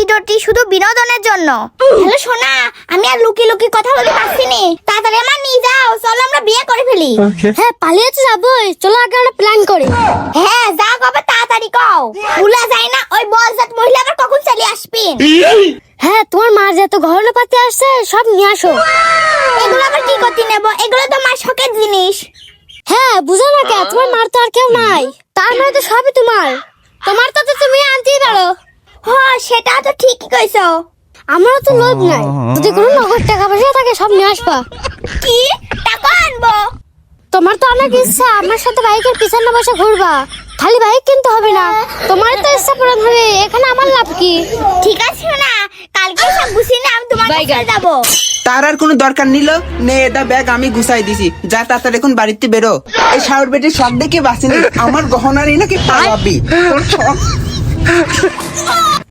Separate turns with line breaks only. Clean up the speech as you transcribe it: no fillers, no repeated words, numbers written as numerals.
ভিডিওটি শুধু বিনোদনের জন্য। হ্যালো সোনা, আমি আর লুকি লুকি কথা বলতে পারছি নি, তাড়াতাড়ি আমার নিয়ে যাও, চলো আমরা বিয়ে করে ফেলি।
হ্যাঁ পালিয়ে তো যাবোই, চলো আগে আমরা প্ল্যান করি।
হ্যাঁ যা কবে তাড়াতাড়ি কও, ভুলা যায় না ওই বলজাত মহিলা আবার কখন চলে আসবেন।
হ্যাঁ তোমার মার যত গহনা পাতি আসছে সব নিয়ে আসো।
এগুলো আবার কি করতে নেব, এগুলো তো মার শখের জিনিস।
হ্যাঁ বুঝো না কে, তোমার মার তো আর কেউ নাই, তার মানে তো সবই তোমার, তোমার তো তুমি আনতেই পারো।
হ্যাঁ সেটা তো ঠিকই কইছো।
আমারও তো লোভ নাই, যদি কোনো নগদ টাকা পয়সা থাকে সব নিয়ে আসবা।
কি টাকা আনবো?
তোমার তো অনেক ইচ্ছা আমার সাথে বাইকের পিছনে বসে ঘুরবা, খালি বাইক কিনতে হবে না, তোমার তো ইচ্ছা পূরণ হবে, এখানে আমার লাভ কি?
ঠিক আছে না, কালকে সব গুছিয়ে নিয়ে আমি তোমার কাছে যাবো।
তার আর কোনো দরকার নিল নে, এটা ব্যাগ আমি গুছাই দিছি, যা তাড়াতাড়ি এখন বাড়িতে বেরো। এই শাওর বেটির শখ দেখে বাঁচিনি, আমার গহনারই নাকি পালাবি তোর শখ।